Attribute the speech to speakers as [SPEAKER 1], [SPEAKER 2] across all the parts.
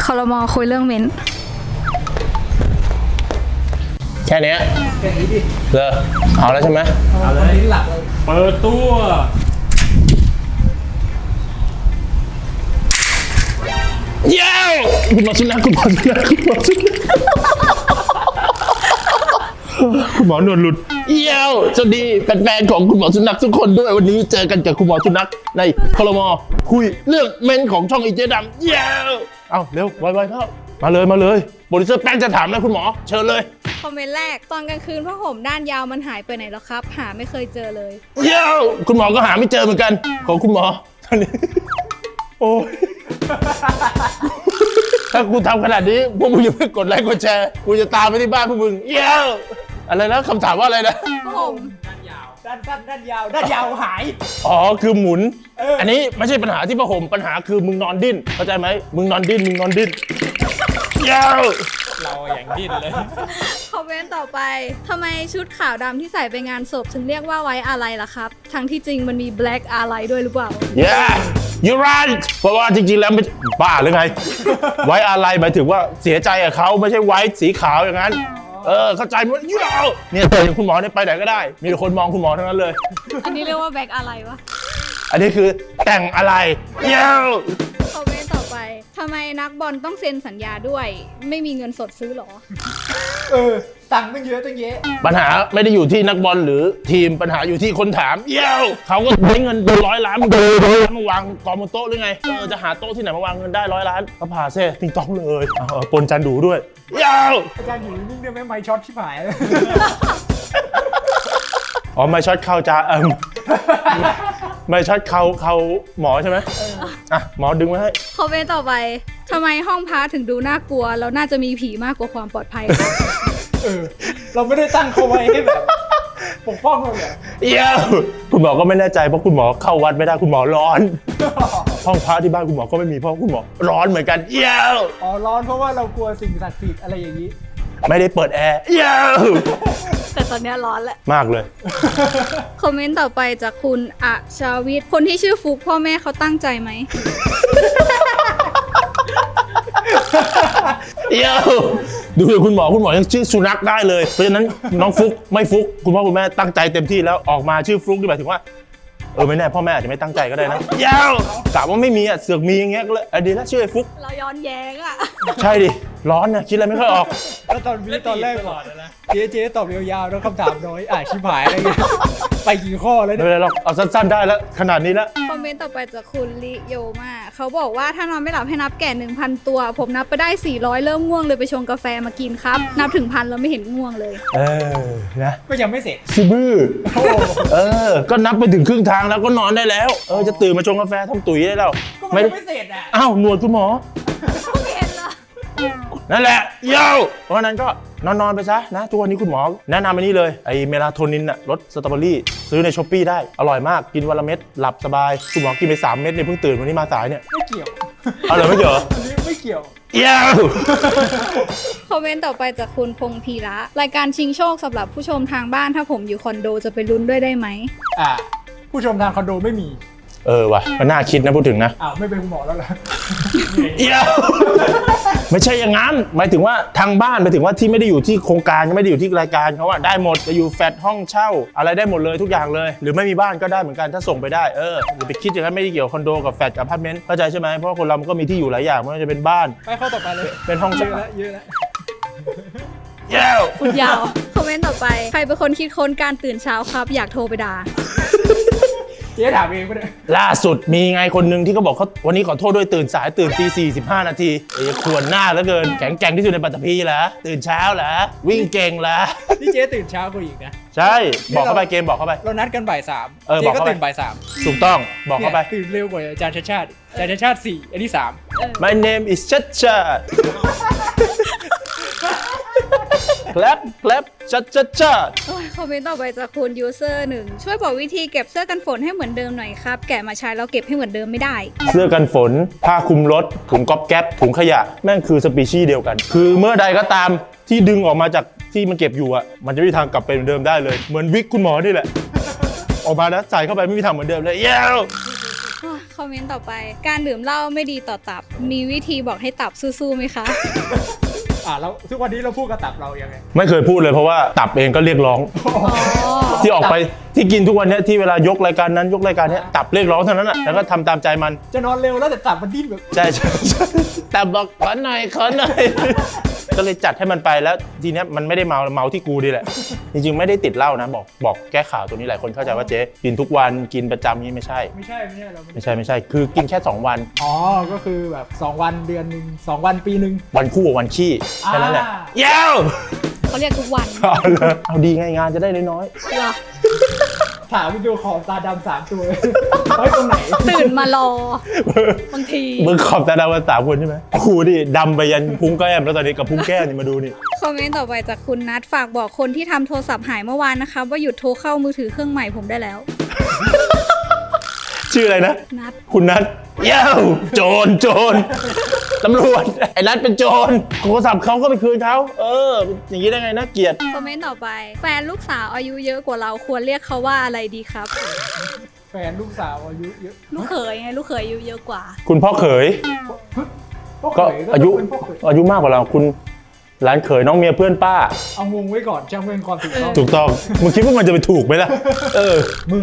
[SPEAKER 1] รม.คุยเรื่องเม้น
[SPEAKER 2] แค่นี้ดิเอาแล้วใช่ไหมเอาเลยหลักเปิดตัวเย้คุณหมอสุนัขคุณหมอสุนัขคุณหมอสุนัขคุณหมอหนวดหลุดเย้สวัสดีแฟนๆของคุณหมอสุนัขทุกคนด้วยวันนี้เจอกันกับคุณหมอสุนัขในครม.คุยเรื่องเมนของช่องอีเจดำเย้เอาเร็วไวๆเข้ามาเลยโปรดิวเซอร์แป้งจะถามแล้วคุณหมอเชิญเลย
[SPEAKER 1] คอมเมนต์แรกตอนกลางคืนผ้าห่มด้านยาวมันหายไปไหนแล้วครับหาไม่เคยเจอเลย
[SPEAKER 2] เย้คุณหมอก็หาไม่เจอเหมือนกันของคุณหมอตอนนี้โอ้ยถ้ากูทำขนาดนี้พวกมึงอย่าเพิ่งกดไลค์กดแชร์กูจะตามไปที่บ้านพวกมึงเย้อะไรนะคำถามว่าอะไรนะ
[SPEAKER 1] ผ้าห่ม
[SPEAKER 3] ด้านสั้นด้านยาวหาย
[SPEAKER 2] อ๋อคือหมุนอันนี้ไม่ใช่ปัญหาที่ผ้าห่มปัญหาคือมึงนอนดิ้นเข้าใจไหมมึงนอนดิ้นเย้
[SPEAKER 3] เราอย่างดิ้นเลย
[SPEAKER 1] คอมเมนต์ต่อไปทำไมชุดขาวดำที่ใส่ไปงานศพถึงเรียกว่าไว้อะไรล่ะครับทั้งที่จริงมันมี black อะไรด้วยหรือเปล่า
[SPEAKER 2] Yeah you're right เพราะว่าจริงๆแล้วไม่บ้าหรือไงไว้อะไรหมายถึงว่าเสียใจกับเขาไม่ใช่ไว้สีขาวอย่างนั้นเข้าใจมั้ยเนี่ยเจอคุณหมอเนี่ยไปไหนก็ได้มีแต่คนมองคุณหมอทั้งนั้นเลย
[SPEAKER 1] อันนี้เรียกว่า black อะไรวะ
[SPEAKER 2] อันนี้คือแต่งอะไร
[SPEAKER 1] คอมเมนต์ต่อไปทำไมนักบอลต้องเซ็นสัญญาด้วยไม่มีเงินสดซื้อหรอ
[SPEAKER 3] ตังค์ตั้งเยอะตั้งเยอะ
[SPEAKER 2] ปัญหาไม่ได้อยู่ที่นักบอลหรือทีมปัญหาอยู่ที่คนถามเขาก็ได้เงินเป็น100 ล้านมาวางกองบนโต๊ะหรือไงจะหาโต๊ะที่ไหนมาวางเงินได้100 ล้านก็ผ่าเซ่ติงต้องเลยปนจันดูด้วย
[SPEAKER 3] อาจารย์อยู่นิ่งได้ไหมไมค์ช็อตชิบหาย
[SPEAKER 2] อ๋อไมค์ช็อตเข้าจ้าไม่ช็อตเขาหมอใช่ไหมหมอดึงไว้ให้
[SPEAKER 1] คอมเมนต์ต่อไปทำไมห้องพักถึงดูน่ากลัวแล้วน่าจะมีผีมากกว่าความปลอดภัย
[SPEAKER 3] เราไม่ได้ตั้งเขาไว้ให้แบบปกป้องเราเลย
[SPEAKER 2] คุณหมอก็ไม่แน่ใจเพราะคุณหมอเข้าวัดไม่ได้คุณหมอร้อนห้องพักที่บ้านคุณหมอก็ไม่มีเพราะคุณหมอร้อนเหมือนกัน
[SPEAKER 3] ร้อนเพราะว่าเรากลัวสิ่งศักดิ์สิทธิ์อะไรอย่างนี้
[SPEAKER 2] ไม่ได้เปิดแอร์
[SPEAKER 1] แต่ตอนนี้ร้อนแล้ว
[SPEAKER 2] มากเลย
[SPEAKER 1] คอมเมนต์ต่อไปจากคุณอาชาวิทย์คนที่ชื่อฟุกพ่อแม่เขาตั้งใจไหม
[SPEAKER 2] ดูคุณหมอยังชื่อสุนัขได้เลยเพราะฉะนั้นน้องฟุกไม่ฟุกคุณพ่อคุณแม่ตั้งใจเต็มที่แล้วออกมาชื่อฟุกนี่หมายถึงว่าไม่แน่พ่อแม่อาจจะไม่ตั้งใจก็ได้นะกะว่าไม่มีเสือกมีอย่างเงี้ยก็เลยดีแล้วชื่อไอ้ฟุก
[SPEAKER 1] เราย้อนแย้ง
[SPEAKER 2] ใช่ดิร้อนนะคิดอะไรไม่ค่อยออก
[SPEAKER 3] แล้วตอนแรกเจ๊ตอบยาวๆแล้วคำถามน้อยชิบหายอะไรเงี้ยไปกี่ข้อแล้ว
[SPEAKER 2] เนี่ยไม่เป็นไรหรอกเอาสั้นๆได้แล้วขนาดนี้แล้ว
[SPEAKER 1] คอมเมนต์ต่อไปจากคุณลิโยมาเขาบอกว่าถ้านอนไม่หลับให้นับแก่ 1,000 ตัวผมนับไปได้400เริ่มง่วงเลยไปชงกาแฟมากินครับนับถึง1,000แล้วไม่เห็นง่วงเลย
[SPEAKER 2] นะ
[SPEAKER 3] ก็ยังไม่เสร็จ
[SPEAKER 2] ซิบื้อก็นับไปถึงครึ่งทางแล้วก็นอนได้แล้วจะตื่นมาชงกาแฟทำตุ๋ยได้แล้ว
[SPEAKER 3] ไม่เสร็จ
[SPEAKER 2] อ้าวหนวดคุณหมอ
[SPEAKER 1] ไม่เห็นเหรอ
[SPEAKER 2] นั่นแหละเพราะนั้นก็นอนไปซะนะทุกวันนี้คุณหมอแนะนำอันนี้เลยไอเมลาโทนินรสสตรอเบอรี่ซื้อในช้อปปี้ได้อร่อยมากกินวันละเม็ดหลับสบายคุณหมอกินไป3 เม็ดเนี่ยเพิ่งตื่นวันนี้มาสายเนี่ย
[SPEAKER 3] ไม่เกี่ยว
[SPEAKER 2] ไม่เกี่ยว
[SPEAKER 3] อันนี้ไม่เกี่ยว
[SPEAKER 1] คอมเมนต์ต่อไปจากคุณพงพีระรายการชิงโชคสำหรับผู้ชมทางบ้านถ้าผมอยู่คอนโดจะไปลุ้นด้วยได้ไหม
[SPEAKER 3] ผู้ชมทางคอนโดไม่มี
[SPEAKER 2] ว่ะมันน่าคิดนะพูดถึงนะ
[SPEAKER 3] ไม่เป็นคุณหมอแล้วเหรอ
[SPEAKER 2] ไม่ใช่อย่างนั้นหมายถึงว่าทางบ้านหมายถึงว่าที่ไม่ได้อยู่ที่โครงการไม่ได้อยู่ที่รายการเขาว่าได้หมดจะอยู่แฟลตห้องเช่าอะไรได้หมดเลยทุกอย่างเลยหรือไม่มีบ้านก็ได้เหมือนกันถ้าส่งไปได้อย่าไปคิดอย่างนั้นไม่ได้เกี่ยวคอนโดกับแฟลตกับอพาร์ตเมนต์เข้าใจใช่ไหมเพราะคนเรามันก็มีที่อยู่หลายอย่างไม่ว่าจะเป็นบ้าน
[SPEAKER 3] ไปข้อต่อไปเลย
[SPEAKER 2] เป็นห้อง
[SPEAKER 3] เยอะแล้ว
[SPEAKER 1] พูดยาวคอมเมนต์ต่อไปใครเป็นคนคิดค้นการตื่นเช้าครับอยากโทรไปด่า
[SPEAKER 3] เจ๊ถามเองไปเลย
[SPEAKER 2] ล่าสุดมีไงคนนึงที่เขาบอกเขาวันนี้ขอโทษด้วยตื่นสายตื่นตี 45 นาทีขวนหน้าเหลือเกินแข็งแกร่งที่สุดในปัตตภีเหรอตื่นเช้าเหรอวิ่งเก่งเหรอ
[SPEAKER 3] นี่เจ๊ตื่นเช้ากว่าอีกนะ
[SPEAKER 2] ใช่บอกเข้าไปเกมบอกเข้าไป
[SPEAKER 3] เรานัดกันบ่าย 3เจ๊ก็ตื่นบ่าย 3
[SPEAKER 2] ถูกต้องบอกเข้าไป
[SPEAKER 3] ตื่นเร็วกว่าอาจารย์ชาติ4อันนี้3
[SPEAKER 2] My name is ชัดชัด
[SPEAKER 1] คอมเมนต์ต่อไปจากคุณยูเซอร์1ช่วยบอกวิธีเก็บเสื้อกันฝนให้เหมือนเดิมหน่อยครับแกะมาใช้แล้วเก็บให้เหมือนเดิมไม่ได้
[SPEAKER 2] เสื้อกันฝนผ้าคลุมรถถุงก๊อบแก๊ปถุงขยะแม่งคือสปีชีส์เดียวกันคือเมื่อใดก็ตามที่ดึงออกมาจากที่มันเก็บอยู่มันจะไม่มีทางกลับไปเหมือนเดิมได้เลยเหมือนวิกคุณหมอนี่แหละออกมาแล้วใส่เข้าไปไม่มีทางเหมือนเดิมเลย
[SPEAKER 1] คอมเมนต์ต่อไป การดื่มเหล้าไม่ดีต่อตับ มีวิธีบอกให้ตับสู้ๆไหมคะ
[SPEAKER 3] แล้วทุกวันนี้เราพูดกับตับเรายังไง
[SPEAKER 2] ไม่เคยพูดเลยเพราะว่าตับเองก็เรียกร้อง
[SPEAKER 1] อ๋อ
[SPEAKER 2] ที่ออกไปที่กินทุกวันเนี้ยที่เวลายกรายการนั้นยกรายการเนี้ยตับเรียกร้องเท่านั้นอ่ะแล้วก็ทำตามใจมัน
[SPEAKER 3] จะนอนเร็วแล้วแต่ตับมันดิ้นแบบ
[SPEAKER 2] ใช่แต่บอกขอหน่อยขอหน่อย ก็เลยจัดให้มันไปแล้วทีเนี้ยมันไม่ได้เมาที่กูดีแหละ จริงๆไม่ได้ติดเหล้านะบอกแก้ข่าวตัวนี้หลายคนเข้าใจว่าเจ๊กินทุกวันกินประจำนี่ไม่ใช่
[SPEAKER 3] ไม่ใช่เราไม่
[SPEAKER 2] ไม่ใช่คือกินแค่2วัน
[SPEAKER 3] ก็คือแบบ2วันเดือนหนึ่ง2วันปีหนึ่ง
[SPEAKER 2] วันคู่กับวันขี้แค่นั้นแหละ
[SPEAKER 3] อ่า
[SPEAKER 2] เย้ว
[SPEAKER 1] เขาเรียกทุกวัน
[SPEAKER 2] เอาดีไงงานจะได้น้อย
[SPEAKER 1] เหรอ
[SPEAKER 3] ถามวิดีโอคอลตาดำ3 ตัวไว้ตรงไหน
[SPEAKER 1] ตื่นมารอ บางที
[SPEAKER 2] มึงขอบตาดาวกัน3 คนใช่ไหมกูดิดำไปยันพุงแก้มแล้วตอนนี้กับพุงแก้มนี่มาดูนี่
[SPEAKER 1] คอมเมนต์ต่อไปจากคุณนัทฝากบอกคนที่ทำโทรศัพท์หายเมื่อวานนะคะว่าหยุดโทรเข้ามือถือเครื่องใหม่ผมได้แล้ว
[SPEAKER 2] ชื่ออะไรนะ
[SPEAKER 1] นัท
[SPEAKER 2] คุณนัทเย้วโจรตำรวจไอ้นัทเป็นโจรโทรศัพท์เขาก็ไปคืนเขาอย่างนี้ได้ไงนะเกลียด
[SPEAKER 1] คอมเมนต์ต่อไป แฟนลูกสาวอายุเยอะกว่าเราควรเรียกเขาว่าอะไรดีครับ
[SPEAKER 3] แฟนลูกสาวอายุเยอะ
[SPEAKER 1] ลูกเขยไงลูกเขยอายุเยอะกว่า
[SPEAKER 2] คุณพ่อเขย
[SPEAKER 3] พ่อเข
[SPEAKER 2] ก็
[SPEAKER 3] ย
[SPEAKER 2] อายุ
[SPEAKER 3] เป็นพ่อเขย
[SPEAKER 2] อายุมากกว่าเราคุณหลานเขยน้องเมียเพื่อนป้า
[SPEAKER 3] เอางงไว้ก่อนจำเป็นความถูกต้อง
[SPEAKER 2] ถูกต้องมึงคิดว่ามันจะไปถูกไหมล่ะ
[SPEAKER 3] มึง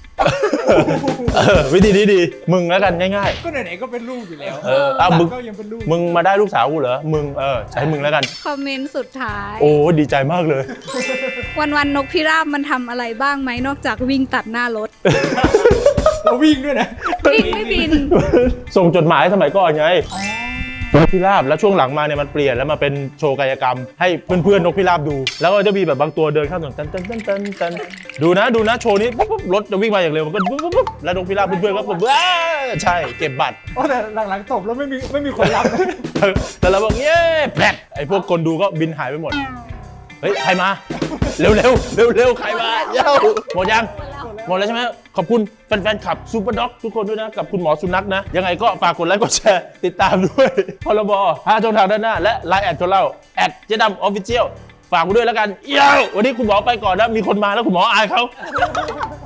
[SPEAKER 2] วิธีนี้ดีมึงแล้วกันง่าย
[SPEAKER 3] ก็ไหนๆก็เป็นลูกอยู่แล้ว
[SPEAKER 2] มึง
[SPEAKER 3] ก็ยังเป็นลูก
[SPEAKER 2] มึงมาได้ลูกสาวกูเหรอมึงใช้มึงแล้วกัน
[SPEAKER 1] คอมเมนต์สุดท้าย
[SPEAKER 2] โอ้ดีใจมากเลย
[SPEAKER 1] วันนกพิราบมันทำอะไรบ้างไหมนอกจากวิ่งตัดหน้ารถ
[SPEAKER 3] เราวิ่งด้วยนะ
[SPEAKER 1] วิ่งไม่บิน
[SPEAKER 2] ส่งจดหมายสมัยก่อนไงนกพิราบแล้วช่วงหลังมาเนี่ยมันเปลี่ยนแล้วมาเป็นโชว์กายกรรม ให้เพื่อนๆนกพิราบดู แล้วก็จะมีแบบบางตัวเดินข้ามถนนตันดูนะโชว์นี้ปุ๊บรถจะวิ่งมาอย่างเร็วมันก็ปุ๊บแล้วนกพิราบเพื่อนๆก็ปุ๊บใช่เก็บบัตร
[SPEAKER 3] แต่หลังๆตบแล้วไม่มีคนรับนะ
[SPEAKER 2] แต่เราบอกเย้แปลกไอ้พวกคนดูก็บินหายไปหมดเฮ้ยใครมาเร็วใครมาเย้าหมดยังหมดแล้วใช่ไหมขอบคุณแฟนๆขับซูเปอร์ด็อกทุกคนด้วยนะกับคุณหมอสุนัขนะยังไงก็ฝากกดไลค์กดแชร์ติดตามด้วยพรบ5 ช่องทางด้านหน้าและไลน์แอดของเราเจ๊ดำออฟฟิเชียลฝากกูด้วยแล้วกันเย้าวันนี้คุณหมอไปก่อนนะมีคนมาแล้วคุณหมออายเขา